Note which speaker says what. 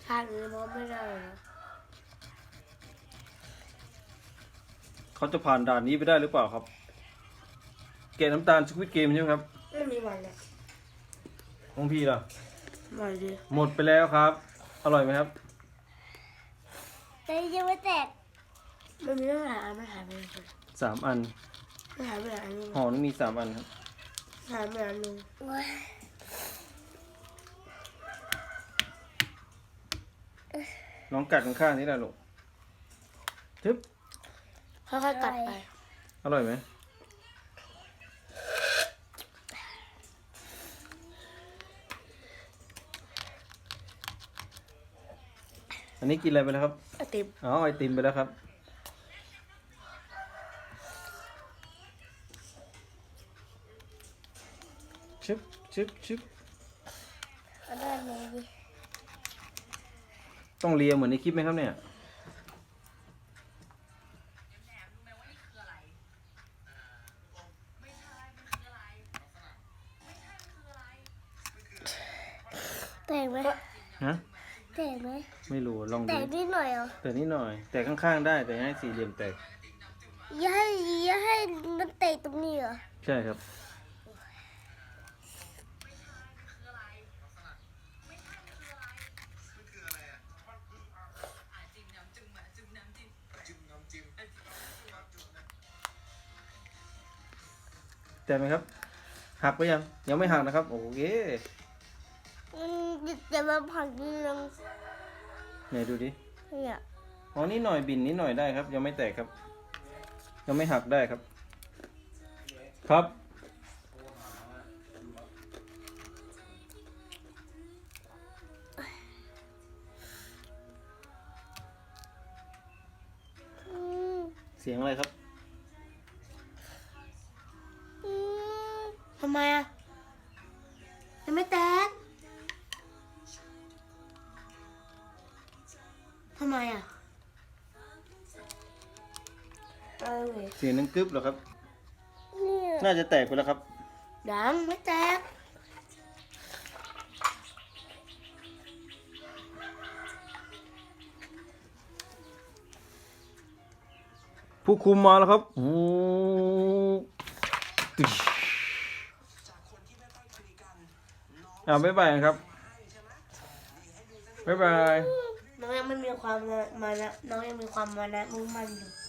Speaker 1: ชาตินี้มองไม่ได้นะ
Speaker 2: เขาจะผ่านด่านนี้ไปได้หรือเปล่าครับแกะน้ำตาลสควิดเกมใช่ไหมครับ
Speaker 1: ไม่มีวันเลย
Speaker 2: ของพี่ล่ะ
Speaker 1: หน่อยดิ
Speaker 2: หมดไปแล้วครับ อร่อยไหมครับ
Speaker 3: แต่ยังไม่แตก
Speaker 1: มันมีตั้งหลายอันมันหายไปเลย
Speaker 2: 3 อัน
Speaker 1: มันหายไปหลายอันนึง
Speaker 2: ห่อนึงมี3 อันครับ
Speaker 1: หายไปอันนึง
Speaker 3: โอ้ย
Speaker 2: น้องกัดข้างๆนี่แหละลูกทึบ
Speaker 1: ค่อยๆกัดไป
Speaker 2: อร่อยไหมอันนี้กินอะไรไปแล้วครับ
Speaker 1: ไอติม
Speaker 2: อ๋อไอติมไปแล้วครับชึบชึบชึบ
Speaker 3: เอาด้านไหนดี
Speaker 2: ต้องเลียเหมือนในคลิปไหมครับเนี่ย
Speaker 3: แตกไหม
Speaker 2: ฮะ
Speaker 3: แตกไหม
Speaker 2: ไม่รู้ลอง
Speaker 3: แต
Speaker 2: ดู
Speaker 3: กนิดหน่อยเหรอ
Speaker 2: แต่นิดหน่อย แต่ข้างๆได้แต่ให้สี่เหลี่ยมแตก
Speaker 3: อย่าให้มันแตกตรงนี้เหรอ
Speaker 2: ใช่ครับ แต่ไหมครับ หักไปยัง ยังไม่หักนะครับ โอเค
Speaker 3: จะมาผักนิดนึง
Speaker 2: ไหนดูดิ
Speaker 3: เนี่ย
Speaker 2: อ๋อนิดหน่อยบินนิดหน่อยได้ครับ ยังไม่แตกครับ ยังไม่หักได้ครับ ครับ
Speaker 3: อืม
Speaker 2: เสียงอะไรครับ
Speaker 3: อืม
Speaker 1: ทำไมอ่ะยังไม่แตกทำไมอ่ะเอาเว้ย
Speaker 2: เสียงนึงกึ๊บเหรอครับ
Speaker 3: เนี่ย
Speaker 2: น่าจะแตกไปแล้วครับ
Speaker 1: ดังไม่แตก
Speaker 2: ผู้คุมมาแล้วครับโอ้ตึ๊ชบ๊ายบายครับ บ๊ายบาย
Speaker 1: น้องยังไม่มีความมานะน้องยังมีความมานะมุ่งมั่นอยู่